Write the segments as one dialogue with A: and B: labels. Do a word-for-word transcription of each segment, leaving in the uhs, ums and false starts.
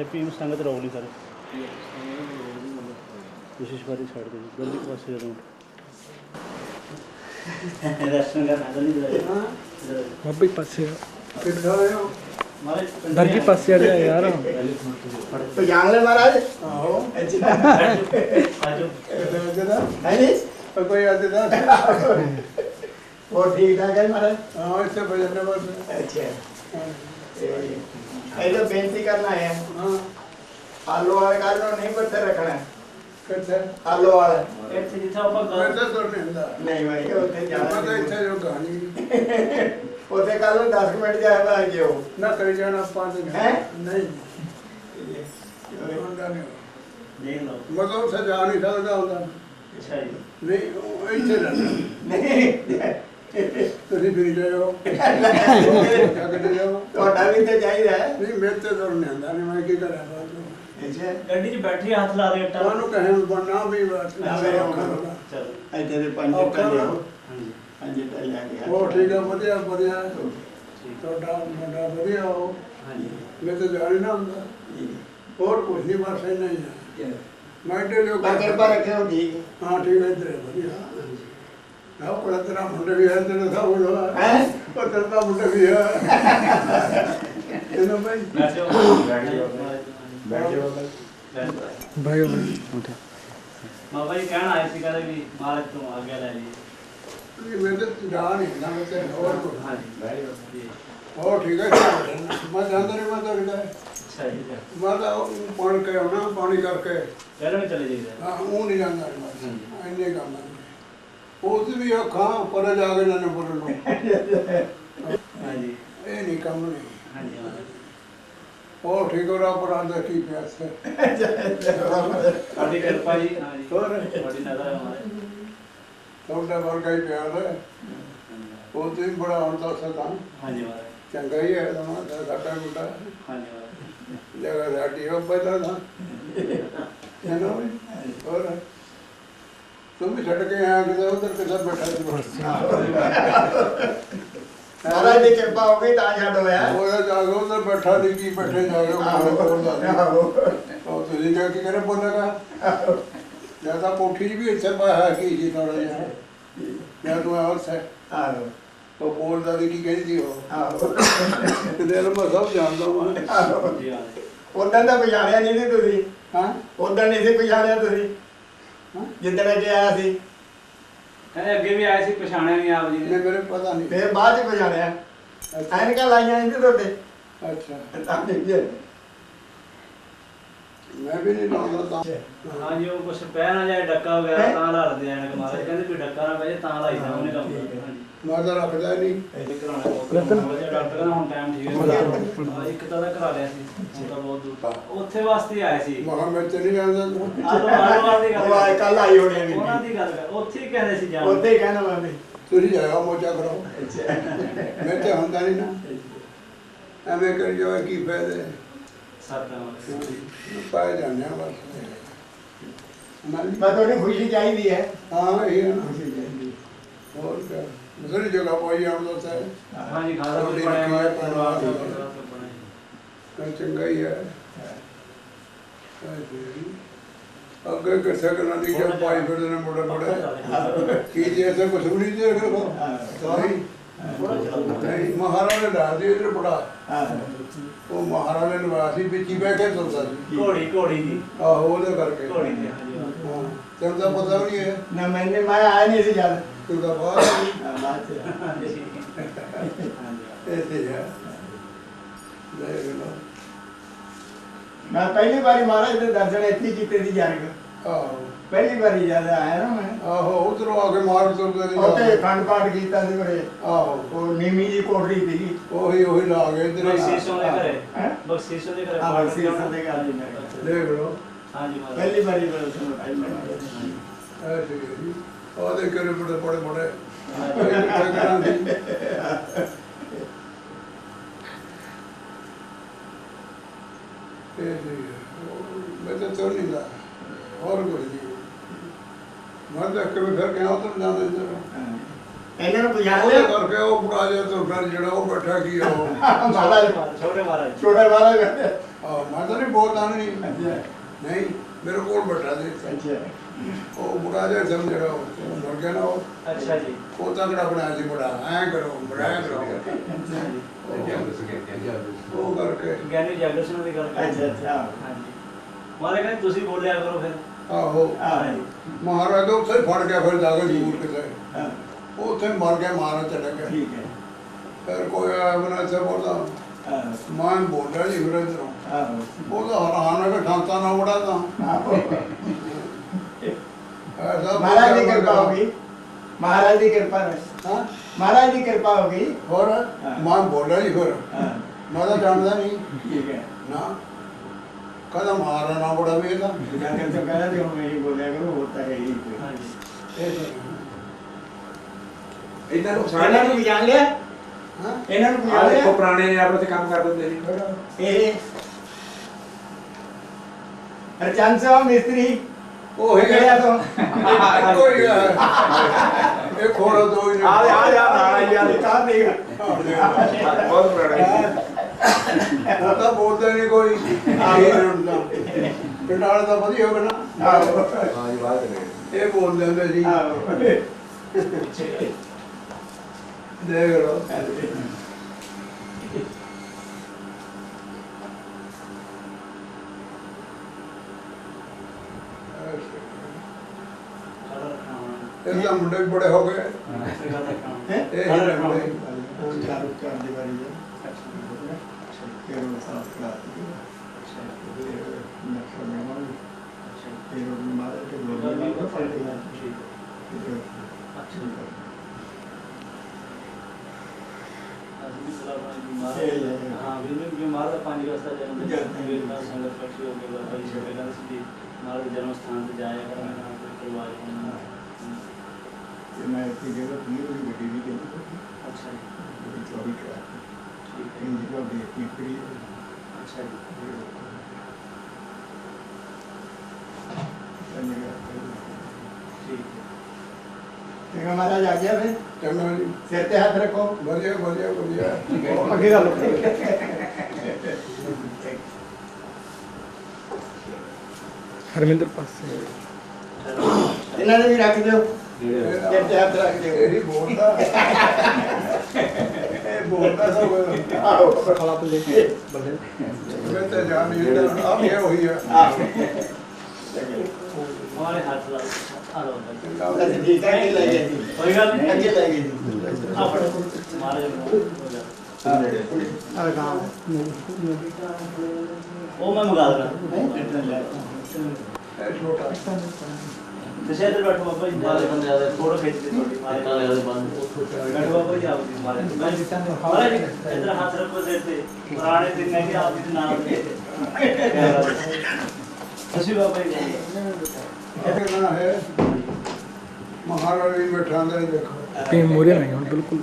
A: ਫੀਮ ਸੰਗਤ ਰੋਕ ਲਈ ਸਰ ਕੋਸ਼ਿਸ਼ ਬਾਰੇ ਛੱਡ ਦੇ ਗਲਤੀ ਪਾਸੇ ਜਦੋਂ ਦਰਸ਼ਨ ਕਰਨਾ ਤਾਂ ਨਹੀਂ ਦੇ ਹਾਂ
B: ਬਾਬੇ ਪਾਸੇ
A: ਮਾਰੇ
B: ਦਰਜੀ ਪਾਸੇ ਆ ਯਾਰ
C: ਪਛਾਣ ਲੈ ਮਹਾਰਾਜ
D: ਆਹੋ
A: ਆਜੋ
C: ਹੈ ਨਹੀਂ
D: ਕੋਈ ਅੱਜ ਦਾ
C: ਹੋਰ ਠੀਕ ਠਾਕ ਹੈ ਮਹਾਰਾਜ
D: ਹਾਂ ਇੱਥੇ ਬਜਨੇ ਬਸ
C: ਅੱਛਾ ਇਹ ਜੋ ਬੇਨਤੀ ਕਰਨਾ ਹੈ
D: ਹਾਂ
C: ਆਲੂ ਵਾਲੇ ਕੱਲ ਨੂੰ ਨਹੀਂ ਬੱਤੇ ਰੱਖਣਾ
D: ਕਿੱਥੇ
C: ਆਲੂ ਵਾਲਾ
A: ਇੱਥੇ ਜਿੱਥੇ ਆਪਾਂ
D: ਮੈਂ
A: ਗੱਲ
D: ਤਾਂ ਤੁਰ ਨਹੀਂ ਹੁੰਦਾ
C: ਨਹੀਂ ਭਾਈ ਉੱਥੇ
D: ਮੈਂ
C: ਜਾਣਾ
D: ਤਾਂ ਇੱਥੇ ਜੋ ਕਹਾਣੀ
C: ਉੱਥੇ ਕੱਲ ਨੂੰ ਦਸ ਮਿੰਟ ਜਾਇਆ ਬਾ ਜਿਓ
D: ਨਾ ਕਰੀ ਜਾਣਾ ਪੰਜ
C: ਹੈਂ?
D: ਨਹੀਂ ਹੁੰਦਾ ਨਹੀਂ
A: ਦੇਖ ਲਓ
D: ਮਤਲਬ ਉੱਥੇ ਜਾ ਨਹੀਂ ਸਕਦਾ ਹੁੰਦਾ
A: ਅੱਛਾ ਜੀ
D: ਨਹੀਂ ਉਹ ਇੱਥੇ ਰਹਿਣਾ
C: ਨਹੀਂ
D: ਤੁਸੀਂ ਫਿਰ ਜਾਓ ਜਗਦੇ ਜਾਓ
C: ਤੁਹਾਡਾ ਵੀ ਤੇ ਚਾਹੀਦਾ ਹੈ
D: ਨਹੀਂ ਮੇਰੇ ਤੇ ਤੁਰ ਨਹੀਂ ਹੁੰਦਾ ਨਹੀਂ ਮੈਂ ਕੀ ਕਰਾਂ ਬਾਅਦ
C: ਅੱਛਾ
A: ਗੱਡੀ 'ਚ ਬੈਠੀ ਹੱਥ ਲਾ ਦੇ ਇੱਟਾਂ
D: ਤੁਹਾਨੂੰ ਕਹੇ ਬਣਨਾ ਵੀ ਬਸ
A: ਚਲੋ
C: ਇੱਥੇ ਦੇ ਪੰਜ
D: ਔਖਾ
C: ਟੱਲੇ
D: ਨਾ।
A: ਹਾਂਜੀ
C: ਪੰਜ ਟੱਲੇ ਆ ਗਿਆ
D: ਉਹ ਠੀਕ ਆ ਵਧੀਆ ਵਧੀਆ
A: ਠੀਕ
D: ਤੁਹਾਡਾ ਮੁੰਡਾ ਵਧੀਆ ਹੋ
A: ਹਾਂਜੀ
D: ਮੈਂ ਤਾਂ ਜਾਣੀ ਨਾ ਹੁੰਦਾ ਹੋਰ ਕੁਝ ਨਹੀਂ ਬਸ ਇੰਨਾ ਹੀ ਆ ਮੈਂ ਤੇ ਜੋ
C: ਮੈਂ ਕਿਰਪਾ ਰੱਖਿਓ ਠੀਕ
D: ਹਾਂ ਠੀਕ ਹੈ ਤੇਰੇ ਵਧੀਆ ਨਾ ਕੋਲ ਤੇਰਾ ਮੁੰਡਾ ਵੀ ਹੈ ਤੇਰੇ ਦਾ ਹੋਣਾ
C: ਹੈ
D: ਉਹ ਤੇਰਾ ਤਾਂ ਮੁੰਡਾ ਵੀ ਹੈ ਇਹਨੂੰ ਭਾਈ
A: ਬੈਠੋ
C: ਬੈਠ ਜਾਓ
B: ਭਾਈ ਉਠੇ
A: ਬਾਬਾ ਜੀ ਕਹਿਣ ਆਏ ਸੀ ਕਹਿੰਦੇ ਵੀ ਮਾਲਕ ਤੋਂ ਆਗਿਆ ਲੈ ਲਈ
D: ਇਹ ਮੇਰੇ ਤੇ ਜਾ ਨਹੀਂ ਨਾ ਮੈਂ ਤੇ ਹੋਰ ਕੁਝ
A: ਹਾਂਜੀ
C: ਬੈਠ ਜਾਓ
D: ਹੋਰ ਠੀਕ ਹੈ ਮੈਂ ਜਾਂਦਾ ਨਹੀਂ ਮੈਂ ਤਾਂ ਕਿਹਾ
A: ਅੱਛਾ ਜੀ
D: ਮੈਂ ਤਾਂ ਪਾਣੀ ਕੇ ਆਉਣਾ ਪਾਣੀ ਕਰਕੇ
A: ਚਲੋ ਵੀ ਚਲੇ ਜਾਈਦਾ
D: ਹਾਂ ਉਹ ਨਹੀਂ ਜਾਂਦਾ ਮੈਂ ਇੰਨੇ ਕੰਮ ਹੈ ਉਸ ਵੀ ਅੱਖਾਂ ਪਰ ਜਾ ਕੇ ਨਾ ਬੋਲਣ ਨੂੰ
A: ਹਾਂਜੀ
D: ਇਹ ਨਹੀਂ ਕੰਮ ਨਹੀਂ
A: ਹਾਂਜੀ ਹਾਂਜੀ
D: ਹੋਰ ਠੀਕ ਹੋ ਰਾ ਪਰਾਂ ਦਾ ਕੀ ਪਿਆਸ ਹੈ
A: ਤੁਹਾਡੀ ਕਿਰਪਾ ਜੀ ਹਾਂਜੀ
D: ਹੋਰ
A: ਤੁਹਾਡੀ ਨਜ਼ਰ ਹੈ ਹਮਾਰੇ
D: ਤੁਹਾਡਾ ਵਰਗਾ ਹੀ ਪਿਆਰ ਹੈ ਉਹ ਤੇ ਬੜਾ ਹੁਣ ਤਾਂ ਸਦਾ
A: ਹਾਂਜੀ ਮਹਾਰਾਜ
D: ਚੰਗਾ ਹੀ ਹੈ ਨਾ ਸਾਡਾ ਮੁੰਡਾ
A: ਹਾਂਜੀ ਮਹਾਰਾਜ
D: ਜਗਾ ਸਾਡੀ ਉਹ ਪਹਿਲਾਂ ਦਾ ਹੈ ਨਾ ਵੀ? ਹੋਰ ਤੂੰ ਵੀ ਛੱਡ ਕੇ ਆਇਆ ਕਿਤੇ ਉਧਰ ਕਿਧਰ ਬੈਠਾ ਸੀ
C: ਮਹਾਰਾਜ ਦੀ ਕਿਰਪਾ ਹੋ ਗਈ ਤਾਂ ਛੱਡ ਹੋਇਆ
D: ਉਹ ਜਾ ਕੇ ਉਧਰ ਬੈਠਾ ਨਹੀਂ ਕੀ ਬੈਠੇ ਜਾ ਕੇ ਉਹ ਬੋਲਦਾ ਉਹ ਤੁਸੀਂ ਕਿਹਾ ਕਿ ਕਰੇ ਬੋਲੇਗਾ ਜਾਂ ਤਾਂ ਕੋਠੀ 'ਚ ਵੀ ਇੱਥੇ ਪਾਇਆ ਕੀ ਜੀ ਥੋੜਾ ਜਿਹਾ ਜਾਂ ਤੂੰ ਆਉਸ ਹੈ
C: ਆਹੋ
D: ਉਹ ਬੋਲਦਾ ਵੀ ਕੀ ਕਹਿੰਦੀ ਉਹ
C: ਆਹੋ
D: ਤੇ ਦਿਲ ਮੈਂ ਸਭ ਜਾਣਦਾ ਮੈਂ
A: ਜੀ ਹਾਂ
C: ਉਦੋਂ ਤਾਂ ਪਛਾਣਿਆ ਨਹੀਂ ਸੀ ਤੁਸੀਂ
D: ਹਾਂ
C: ਉਦੋਂ ਨਹੀਂ ਸੀ ਪਛਾਣਿਆ ਤੁਸੀਂ ਜਿੱਦਣ ਅੱਗੇ ਆਇਆ ਸੀ
A: ਕਹਿੰਦੇ ਅੱਗੇ ਵੀ ਆਏ ਸੀ ਪਛਾਣਿਆ ਨਹੀਂ ਆਪ ਜੀ
D: ਨਹੀਂ
A: ਨੇ
D: ਮੇਰੇ ਪਤਾ ਨਹੀਂ
C: ਫਿਰ ਬਾਅਦ ਚ ਪਛਾਣਿਆ ਐਨਕਾਂ ਲਾਈਆਂ ਨਹੀਂ ਸੀ ਤੁਹਾਡੇ
D: ਅੱਛਾ
C: ਤਾਂ ਨਹੀਂ
D: ਮੈਂ ਵੀ ਨਹੀਂ ਲਾਉਂਦਾ ਤਾਂ
A: ਹਾਂਜੀ ਉਹ ਕੁਛ ਪੈ ਨਾ ਜਾਏ ਡੱਕਾ ਵਗੈਰਾ ਤਾਂ ਲਾੜਦੇ ਆਣ ਕੇ ਮਾਰੇ ਕਹਿੰਦੇ ਕੋਈ ਡੱਕਾ ਨਾ ਪੈ ਜਾਏ ਤਾਂ ਲਾਈਦਾ ਉਹਨੇ ਕੰਮ ਹਾਂਜੀ
D: ਮੈਂ ਤਾਂ ਰੱਖਦਾ ਹੀ ਨਹੀਂ
A: ਇਹ ਕਰਾਉਣਾ ਬਹੁਤ ਡਾਕਟਰ ਕਹਿੰਦਾ ਹੁਣ ਟਾਈਮ ਠੀਕ ਹੈ ਹਾਂ, ਇੱਕ ਤਾਂ ਦਾ ਕਰਾ ਲਿਆ ਸੀ ਉਹਦਾ ਬਹੁਤ ਦੂਰ ਉੱਥੇ ਵਾਸਤੇ ਆਏ ਸੀ
D: ਮਹਾਂ ਮੈਂ ਤੇ ਨਹੀਂ ਜਾਂਦਾ
A: ਆਲੋ ਆਲੋ ਦੀ
C: ਉਹ
A: ਗੱਲ
C: ਕੱਲ ਆਈ ਹੋਣੀ ਹੈ
A: ਉਹਨਾਂ ਦੀ ਗੱਲ ਕਰ ਉੱਥੇ ਹੀ ਕਹਿੰਦੇ ਸੀ ਜਾਣ
C: ਉੱਥੇ ਹੀ ਕਹਿਣਾ ਮੈਂ ਵੀ
D: ਤੁਸੀਂ ਜਾਇਆ ਮੋਚਾ ਕਰੋ ਮੈਂ ਤੇ ਹੁੰਦਾ ਨਹੀਂ ਨਾ ਐਵੇਂ ਕਰੀ ਜਾਵੇ ਕੀ ਫਾਇਦੇ
A: ਸਾਡਾ
D: ਪਾਏ ਜਾਂਦੇ ਆ ਬਸ ਨਾਲ
C: ਮੈਂ ਤੁਹਾਡੀ ਖੁਸ਼ੀ ਚਾਹੀਦੀ ਹੈ
D: ਹਾਂ ਇਹ ਹੈ ਨਾ
C: ਖੁਸ਼ੀ ਚਾਹੀਦੀ
D: ਹੋਰ ਕਿਆ ਦੂਸਰੀ ਜਗ੍ਹਾ ਪਾਈ ਆਉਂਦਾ ਤਾਂ
A: ਹਾਂਜੀ ਖਾਦਾ ਵੀ ਬਣਿਆ ਹੋਇਆ ਪਰਿਵਾਰ ਦਾ
D: ਤਾਂ ਚੰਗਾ ਹੀ ਹੈ ਅੱਗੇ ਕਿਸੇ ਕਰਾਂ ਦੀ ਜਦ ਪਾਈ ਫਿਰਦੇ ਨੇ ਮੋੜਾ ਮੋੜਾ ਕੀ ਜੀ ਐਸਾ ਕੁਛ ਵੀ ਨਹੀਂ ਦੇ ਰੱਖੋ ਨਹੀਂ ਨਹੀਂ ਮਹਾਰਾਜ ਦਾ ਦੇ ਇਧਰ ਬੜਾ ਉਹ ਮਹਾਰਾਜ ਨੇ ਨਿਵਾਸੀ ਵਿੱਚ ਹੀ ਬਹਿ ਕੇ ਤੁਰਦਾ ਸੀ
A: ਘੋੜੀ ਘੋੜੀ ਦੀ
D: ਆਹੋ ਉਹਦੇ ਕਰਕੇ
A: ਘੋੜੀ ਦੀ ਹਾਂਜੀ
D: ਹਾਂ ਤੈਨੂੰ ਤਾਂ ਪਤਾ ਵੀ ਨਹੀਂ ਹੈ
C: ਨਾ ਮੈਨੇ ਮੈਂ ਆਇਆ ਨਹੀਂ ਸੀ ਜਦ
D: ਤੂੰ ਤਾਂ ਬਾਹਰ
C: ਬਾਅਦ ਚ
A: ਹਾਂਜੀ
D: ਐਸੇ ਹੈ ਲੈ ਲੋ
C: ਮੈਂ ਪਹਿਲੀ ਵਾਰੀ ਮਹਾਰਾਜ ਦੇ ਦਰਸ਼ਨ ਇੱਥੇ ਹੀ ਕੀਤੇ ਸੀ ਜਾਨਕ
D: ਆਹੋ
C: ਪਹਿਲੀ ਵਾਰੀ ਜਦ ਆਇਆ ਨਾ ਮੈਂ
D: ਆਹੋ ਉਧਰੋਂ ਆ ਕੇ ਮਾਰ ਤੁਰਦੇ ਨੇ
C: ਉੱਥੇ ਖੰਡ ਪਾਠ ਕੀਤਾ ਸੀ ਬੜੇ
D: ਆਹੋ
C: ਉਹ ਨੀਵੀਂ ਜੀ ਕੋਠੜੀ ਸੀ
D: ਉਹੀ ਉਹੀ ਲਾ ਗਏ ਇਧਰ
A: ਬਖਸ਼ੀਸ਼ੋਂ ਦੇ ਘਰੇ
C: ਹੈਂ?
A: ਬਖਸ਼ੀਸ਼ੋਂ ਦੇ ਘਰੇ
C: ਹਾਂ
A: ਪਾਠ
C: ਬਖਸ਼ੀਸ਼
A: ਕਰਾਉਣਾ।
C: ਦੇ ਘਰ ਹੀ ਮੈਂ
D: ਦੇਖ ਲੋ
A: ਹਾਂਜੀ ਮਹਾਰਾਜ
C: ਪਹਿਲੀ ਵਾਰੀ ਦਰਸ਼ਨ ਪਹਿਲੀ
D: ਐਸੇ ਹੈ ਜੀ ਉਹਦੇ ਕਰੇ ਬੜੇ ਬੜੇ ਬੜੇ ਮੈਂ ਤਾਂ ਤੁਰ ਨਹੀਂ ਲਾ ਹੋਰ ਕੁਝ ਨਹੀਂ ਮੈਂ ਤਾਂ ਕਦੇ ਫਿਰ ਕਿਹਾ ਉਧਰ ਜਾਂਦਾ ਇੱਧਰ
C: ਇਹਨਾਂ ਨੂੰ ਪਛਾਣ
D: ਉਹਦੇ
C: ਲਿਆ
D: ਕਰਕੇ ਉਹ ਬੁੜਾ ਜਿਹਾ ਤੁਰ ਫਿਰ ਜਿਹੜਾ ਉਹ ਬੈਠਾ ਕੀ ਆ ਉਹ
C: ਮਹਾਰਾਜ
A: ਛੋਟੇ ਮਹਾਰਾਜ
C: ਛੋਟਾ ਮਹਾਰਾਜ
D: ਹਾਂ ਮੈਂ ਤਾਂ ਨਹੀਂ ਬੋਲਦਾ ਨਹੀਂ
C: ਅੱਛਾ
D: ਨਹੀਂ ਮੇਰੇ ਕੋਲ ਬੈਠਾ ਸੀ
C: ਅੱਛਾ
D: ਉਹ ਮੁੰਡਾ ਜਿਹਾ ਸਮ ਜਿਹੜਾ ਉਹ ਮਰ ਗਿਆ ਨਾ ਉਹ
A: ਅੱਛਾ ਜੀ
D: ਉਹ ਤਗੜਾ ਬਣਾਇਆ ਸੀ ਬੜਾ ਐਂ ਕਰੋ ਬੜਾ ਐਂ ਕਰੋ ਉਹ ਕਰਕੇ
A: ਗਿਆਨੀ ਜਾਗਰ ਸਿੰਘ ਦੀ ਗੱਲ ਕਰ
C: ਅੱਛਾ ਅੱਛਾ
A: ਹਾਂਜੀ ਮਾਰੇ ਕਹਿੰਦੇ ਤੁਸੀਂ ਬੋਲਿਆ ਕਰੋ ਫਿਰ
D: ਆਹੋ
C: ਹਾਂ
D: ਮਹਾਰਾਜ ਤੋਂ ਉੱਥੇ ਫੜ ਗਿਆ ਫਿਰ ਜਾ ਕੇ ਦੂਰ ਕਿਤੇ
C: ਹਾਂ
D: ਉਹ ਉੱਥੇ ਮਰ ਗਿਆ ਮਹਾਰਾਜ ਚਲਾ ਗਿਆ
C: ਠੀਕ ਹੈ
D: ਫਿਰ ਕੋਈ ਆਇਆ ਬਣਾ ਇੱਥੇ ਬੋਲਦਾ
C: ਹਾਂ
D: ਮੈਂ ਬੋਲ ਰਿਹਾ ਜੀ ਫਿਰ ਇੱਧਰੋਂ
C: ਹਾਂ
D: ਉਹਦਾ ਹੈਰਾਨ ਹੈ ਕਿ ਠਾਂਤਾ ਨਾ ਬੜਾ ਤਾਂ ਐਸਾ
C: महाराज की कृपा होगी महाराज की कृपा
D: ਹਾਂ
C: महाराज की कृपा होगी
D: ਹੋਰ ਮੈਂ ਬੋਲਿਆ ਜੀ ਫਿਰ
C: हाँ
D: ਮੈਂ ਤਾਂ ਜਾਣਦਾ ਨਹੀਂ
C: ठीक है
D: ਨਾ ਕਦਾ ਮਾਰਾ ਨਾ ਬੜਾ ਵੀ ਇਹਦਾ
C: जाकर तो कह रहे हो मैं ही बोलिया करो होता है यही कोई
A: ਹਾਂਜੀ
D: ਇਹ
E: ਇਹਨਾਂ ਨੂੰ
C: ਇਹਨਾਂ ਨੂੰ ਜਾਣ ਲਿਆ
D: ਹਾਂ
C: ਇਹਨਾਂ ਨੂੰ
E: ਆ
C: ਜਾਣ
E: ਦੇਖੋ
C: ਲਿਆ
E: ਪੁਰਾਣੇ ਨੇ ਆਪਣੇ ਤੇ ਕੰਮ ਕਰ ਦਿੰਦੇ ਨੇ
C: ਇਹ ਹਰਚੰਦ ਸਾਹਿਬ ਮਿਸਤਰੀ
D: ਉਹ ਹੀ
C: ਗਿਆ ਤੋਂ
D: ਕੋਈ ਹੈ ਇਹ ਖੋੜਾ ਦੋ ਹੀ
C: ਆ ਆ ਆ ਨਾਰਾਜ ਯਾਰ ਤਾਂ ਦੇਖ
E: ਬਹੁਤ ਪੁਰਾਣੇ
D: ਉਹ ਤਾਂ ਬੋਲਦਾ ਨਹੀਂ ਕੋਈ ਪਿੰਡ ਵਾਲੇ ਤਾਂ ਵਧੀਆ ਹੋਵੇ ਨਾ
C: ਆਹੋ
E: ਹਾਂ ਜੀ ਬਾਤ ਕਰੇ
D: ਇਹ ਬੋਲ ਲੈਂਦੇ ਸੀ
C: ਆਹੋ
D: ਦੇਖ ਲਓ
A: ਸਾਡਾ ਰੱਖਣਾ ਹੋਣਾ
D: ਇਹ ਤਾਂ ਮੁੰਡੇ ਵੀ ਬੜੇ ਹੋ ਗਏ
A: ਇਸੇ ਗੱਲ ਦਾ ਕੰਮ
C: ਹੈ
D: ਇਹ ਹੀ ਲੱਗਦੇ
C: ਚਾਰੂ ਚਾਰ ਦੀ ਵਾਰੀ ਹੈ ਫਿਰ ਉਹ ਸਾਫ ਕਰਾ ਦਿੱਤੀ ਨਕਸ਼ਾ ਬਣਾਉਣਾ ਫਿਰ ਉਹ ਮਾਰੇ ਤੇ ਲੋਕ ਵੀ ਫੜ ਲਿਆ
A: ਹਾਂ ਵੀ ਬਿਮਾਰ ਦਾ ਪੰਜ ਰਸਤਾ ਜਨਮ ਦੇ ਸੰਗਤ ਇਕੱਠੀ ਹੋ ਕੇ ਬਾਬਾ ਜੀ ਸਭੇ ਨਾਲ ਸੀ ਮਾਰ ਦੇ ਜਨਮ ਸਥਾਨ ਤੇ ਜਾਇਆ ਕਰਨਾ ਨਾਮ ਕੋਈ ਪਰਿਵਾਰ ਹੋਣਾ
C: ਤੇ ਮੈਂ ਇੱਥੇ ਜਿਹੜਾ ਪੀਰ ਦੀ ਗੱਡੀ ਵੀ ਕਹਿੰਦੀ
A: ਅੱਛਾ ਜੀ
C: ਬੜੀ ਚੌੜੀ ਕਰਾ
A: ਠੀਕ ਹੈ
C: ਇਹ ਜਿਹੜਾ ਦੇਖ ਕੇ ਪੀਰ
A: ਅੱਛਾ ਜੀ ਠੀਕ ਹੈ
C: ਤੇ ਹਮਾਰਾ ਜਾ ਗਿਆ ਫਿਰ
D: ਚੰਗਾ ਜੀ
C: ਸਿਰ ਤੇ ਹੱਥ ਰੱਖੋ
D: ਵਧੀਆ ਵਧੀਆ ਵਧੀਆ
C: ਅੱਗੇ ਗੱਲ
B: ਹਰਮਿੰਦਰ ਪਾਸੇ
C: ਇਹਨਾਂ ਨੇ ਵੀ ਰੱਖ ਦਿਓ ਸਿਰ ਤੇ ਹੱਥ ਰੱਖ ਦਿਓ
D: ਇਹ ਹੀ ਬੋਲਦਾ ਇਹ ਬੋਲਦਾ ਸਭ
C: ਆਹੋ
B: ਖਲਾ ਪਲੇ ਬੱਲੇ
D: ਮੈਂ ਤਾਂ ਜਾਣ ਨਹੀਂ ਦਿੰਦਾ ਆਪ ਇਹ ਹੋਈ ਆ
C: ਆਹੋ
A: ਹਮਾਰੇ ਹੱਥ ਲਾ ਆ ਲੋ ਭਾਈ
C: ਅਸੀਂ ਠੀਕ ਹੈ ਕਿ ਲੈ ਗਏ ਜੀ
A: ਕੋਈ ਗੱਲ ਨਹੀਂ
C: ਅੱਗੇ ਲੈ ਗਏ ਜੀ
A: ਆਪਣੇ ਮਾਰੇ
C: ਆ ਕੰਮ
A: ਉਹ ਮੈਂ ਮੰਗਾ ਦੇਣਾ
D: ਇਹ ਛੋਟਾ
A: ਤੁਸੀਂ ਇੱਧਰ ਬੈਠੋ ਬਾਬਾ ਜੀ ਮਾਰੇ ਬੰਦੇ ਆਦੇ ਫੋਟੋ ਖਿੱਚ ਕੇ ਤੁਹਾਡੀ ਮਾਰੇ ਕਾਲੇ ਵਾਲੇ ਬੰਦ ਬੈਠੋ ਬਾਬਾ ਜੀ ਆਪ ਜੀ ਮਾਰੇ ਮਾਰੇ ਜੀ ਇੱਧਰ ਹੱਥ ਰੱਖੋ ਸਿਰ ਤੇ ਪੁਰਾਣੇ ਦਿਨ ਨੇ ਕਿ ਆਪ ਜੀ ਦੇ ਨਾਮ ਤੇ ਤੁਸੀਂ ਬਾਬਾ ਜੀ
D: ਇਹ ਕਹਿਣਾ ਹੈ ਮਹਾਰਾਜ ਵੀ ਬੈਠਾ ਅੰਦਰ ਦੇਖੋ
B: ਪੀ ਮੋਰੇ ਨਹੀਂ ਹੁਣ ਬਿਲਕੁਲ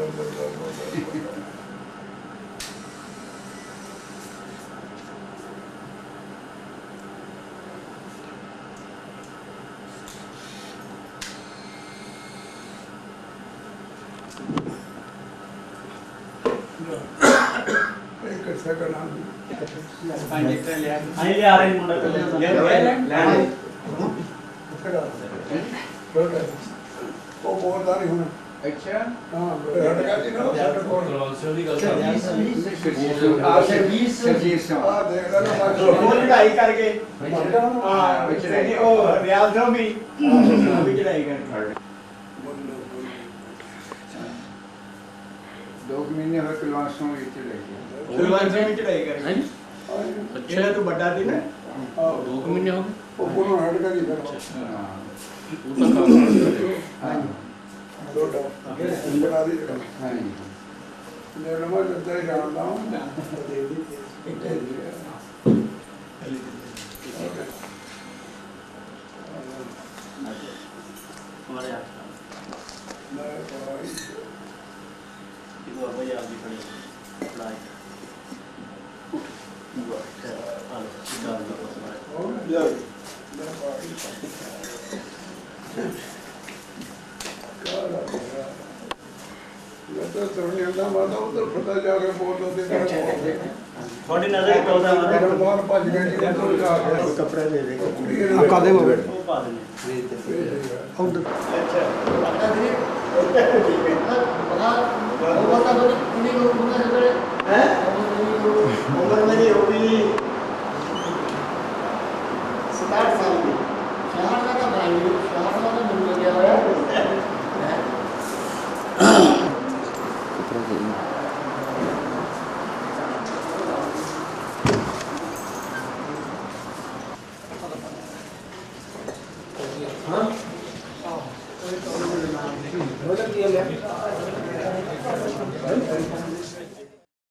D: ਇੱਕ ਸੈਕਿੰਡ ਆ
C: ਪੰਜ ਲੀਟਰ ਲਿਆ
A: ਆਈ ਲੈ ਆ ਰਹੇ ਮੁੰਡਾ ਪਹਿਲੇ
D: ਉਹ ਬੋਲਦਾ ਨਹੀਂ ਹੁਣ
C: ਅੱਛਾ
D: ਹਾਂ ਹਟ ਗਿਆ ਜੀ ਨਾ ਸਾਡੇ ਕੋਲ
C: ਆ ਸਰਵਿਸ ਸਰਵਿਸ
D: ਆ ਦੇਖ ਲੈ ਨਾ
C: ਉਹ ਲੜਾਈ ਕਰਕੇ
D: ਹਾਂ
C: ਹਾਂ ਵਿੱਚ ਉਹ ਰਿਆਲ ਤੋਂ ਵੀ ਵੀ ਲੜਾਈ ਕਰਕੇ
E: ਦੋ ਮਹੀਨੇ ਹੋਏ ਕਲਾਸਾਂ ਵਿੱਚ ਰਹੀ
C: ਸੁਲਵਾਨ ਸਿੰਘ ਵੀ ਚੜਾਈ ਕਰਕੇ ਜਿਹੜਾ ਤੂੰ ਵੱਡਾ ਸੀ ਨਾ
D: ਦੋ ਮਹੀਨੇ ਹੋ ਗਏ ਉਹ ਕੋਲੋਂ ਹਟ ਗਿਆ ਜੀ ਫਿਰ
E: ਹਾਂ
D: ਲੋਟਾ ਬਣਾ ਦੀ ਜਿਹੜਾ
E: ਹਾਂ ਜੀ
D: ਮੈਂ ਨਵਾਂ ਜੱਦਾ ਹੀ ਜਾਣਦਾ ਹਾਂ
A: हमारे हाथ
D: ਮੈਂ ਭਾਈ
A: ये बाबा जी आप भी खड़े पढ़ाई हेलो निकाल दो हमारे
D: ਉਹ ਜਾ ਮੈਂ ਭਾਈ ਮੈਂ ਤਾਂ ਸੁਣਿਆ ਨਾ ਮੈਂ ਤਾਂ ਉਧਰ ਪਤਾ ਜਾ ਕੇ ਬੋਲ ਦੋ ਤੇ
A: ਤੁਹਾਡੀ ਨਜ਼ਰ ਹੀ ਪਾਉਂਦਾ
D: ਮੇਰੇ
A: ਮਾਰਾ
D: ਬਾਹਰ ਭੱਜ ਗਏ ਜੀ ਉਹ ਤੋਂ ਜਾ ਕੇ
C: ਕੋਈ ਕੱਪੜਾ ਦੇ ਦੇ
B: ਆ ਕਾਦੇ ਮੋਬਾਈਲ
A: ਉਹ ਪਾ ਦਿੰਦੇ
B: ਉਧਰ
C: ਅੱਛਾ ਪਤਾ ਨਹੀਂ ਹੈ ਉਮਰ ਮੇਰੀ ਹੋ ਗਈ ਸਤਾਹਠ ਸਾਲ ਦੀ
B: ਹਾਂ